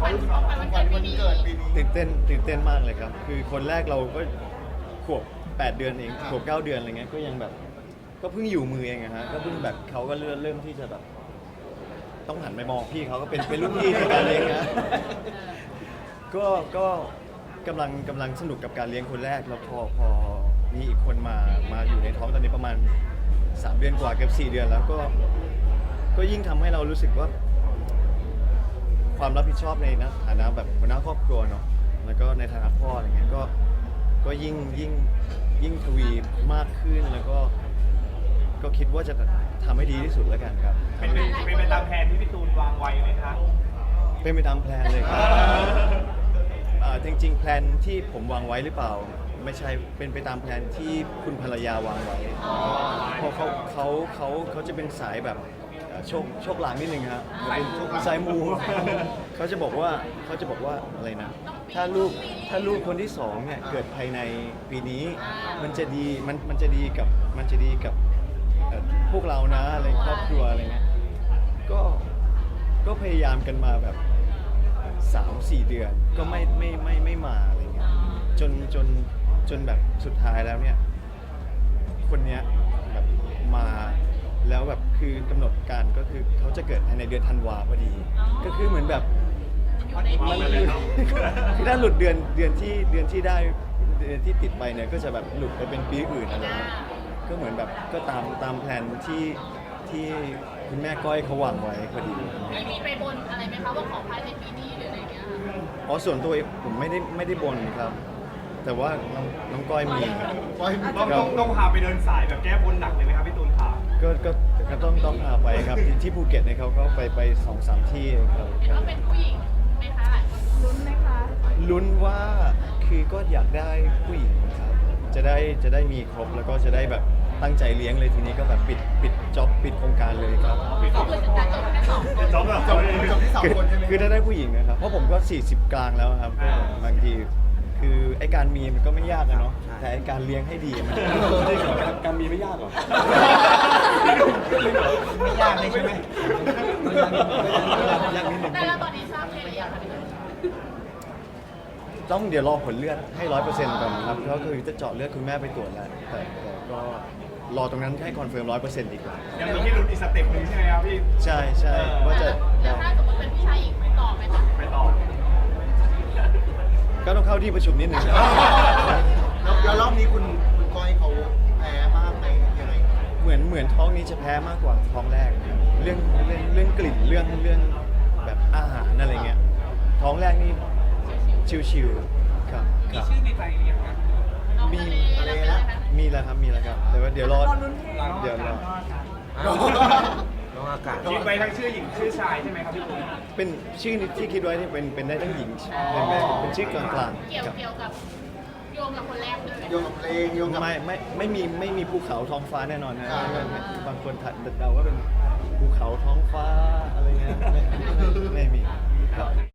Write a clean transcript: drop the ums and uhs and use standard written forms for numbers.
ของขวัญวันเกิดปีนี้ตื่นเต้นมากเลยครับคือคนแรกเราก็ขวบ8 เดือนเองขวบ9 เดือนอะไรเงี้ยก็ยังแบบก็เพิ่งอยู่มือเองอะฮะก็เพิ่งแบบเขาก็เริ่มที่จะแบบต้องหันไปมองพี่เขาก็เป็นรุ่นพี่ในการเลี้ยงนะก็กำลังสนุกกับการเลี้ยงคนแรกแล้วพอมีอีกคนมาอยู่ในท้องตอนนี้ประมาณ3 เดือนกว่าเกือบ4 เดือนแล้วก็ยิ่งทำให้เรารู้สึกว่าความรับผิดชอบในฐานะแบบหัวหน้าครอบครัวเนาะแล้วก็ในฐานะพ่ออะไรเงี้ยก็ยิ่งทวีมากขึ้นแล้วก็คิดว่าจะทำให้ดีที่สุดแล้วกันครับเป็นไปตามแผนที่พี่ตูนวางไว้ไหมคะเป็นไปตามแพลนเลยครับจริงๆแพลนที่ผมวางไว้หรือเปล่าไม่ใช่เป็นไปตามแพลนที่คุณภรรยาวางไว้เพราะเขาจะเป็นสายแบบโชคลางนิดนึงครับเป็นสายมูเขาจะบอกว่าอะไรนะถ้าลูกคนที่2เนี่ยเกิดภายในปีนี้มันจะดีกับพวกเรานะอะไรครอบครัวอะไรเงี้ยก็พยายามกันมาแบบ3-4 เดือนก็ไม่มาอะไรเงี้ยจนแบบสุดท้ายแล้วเนี่ยคนเนี้ยแบบมาแล้วแบบคือกำหนดการก็คือเขาจะเกิดภายในเดือนธันวาพอดีก็คือเหมือนแบบมันคือถ้าหลุดเดือนที่ได้เดือนที่ติดไปเนี่ยก็จะแบบหลุดไปเป็นปีอื่นอะไรเงี้ยก็เหมือนแบบก็ตามแผนที่คุณแม่ก้อยเขาวางไว้พอดีมีไปบนอะไรไหมคะว่าขอภายในปีนี้หรืออะไรเงี้ยอ๋อส่วนตัวผมไม่ได้บนครับ แต่ว่าน้องก้อยมีต้องพาไปเดินสายแบบแก้บนหนักเลยไหมครับพี่ตูนขาก็ต้องพาไปครับที่ภูเก็ตเนี่ยเขาก็ไป 2-3 ที่ครับเห็นว่าเป็นผู้หญิงไหมคะหลายคนลุ้นไหมคะลุ้นว่าคือก็อยากได้ผู้หญิงครับจะได้มีครบแล้วก็จะได้แบบตั้งใจเลี้ยงเลยทีนี้ก็แบบปิดจ็อบปิดโครงการเลยครับก็คือจะจบแค่2 คนจบที่2 คนใช่ไหมคือถ้าได้ผู้หญิงนะครับเพราะผมก็40 กลางแล้วครับบางทีคือไอการมีมันก็ไม่ยากอะเนาะแต่ไอการเลี้ยงให้ดีมันการมีไม่ยากหรอไม่ยากเลยใช่ไหมยากนิดนึงแต่แล้วตอนนี้ทราบเพศหรือยังคะต้องเดี๋ยวรอผลเลือดให้ 100% ก่อนครับก็คือจะเจาะเลือดคุณแม่ไปตรวจแล้วแต่ก็รอตรงนั้นให้คอนเฟิร์ม 100% อีกยังมีที่ลุ้นอีกสเต็ปหนึ่งใช่ไหมครับพี่ใช่ว่าจะแล้วถ้าสมมติเป็นผู้ชายอีกไปต่อไหมคะไปต่อก็ต้องเข้าที่ประชุมนิดนึงแล้วรอบนี้คุณก้อยเขาแพ้มากไหมยังไงเหมือนท้องนี้จะแพ้มากกว่าท้องแรกเรื่องกลิ่นเรื่องแบบอาหารอะไรเงี้ยท้องแรกนี่ชิวๆครับมีชื่อในใจหรือยังครับมีแล้วครับแต่ว่าเดี๋ยวรอน้องอากาศคิดไว้ทั้งชื่อหญิงชื่อชายใช่ไหมครับพี่ตูนเป็นชื่อที่คิดไว้นี่เป็นได้ทั้งหญิงเป็นชื่อกลางๆเกี่ยวกับโยงกับคนแรกด้วยโยงกับเพลงโยงกับไม่มีภูเขาท้องฟ้าแน่นอนนะบางคนเดาว่าเป็นภูเขาท้องฟ้าอะไรเงี้ยไม่มีครับ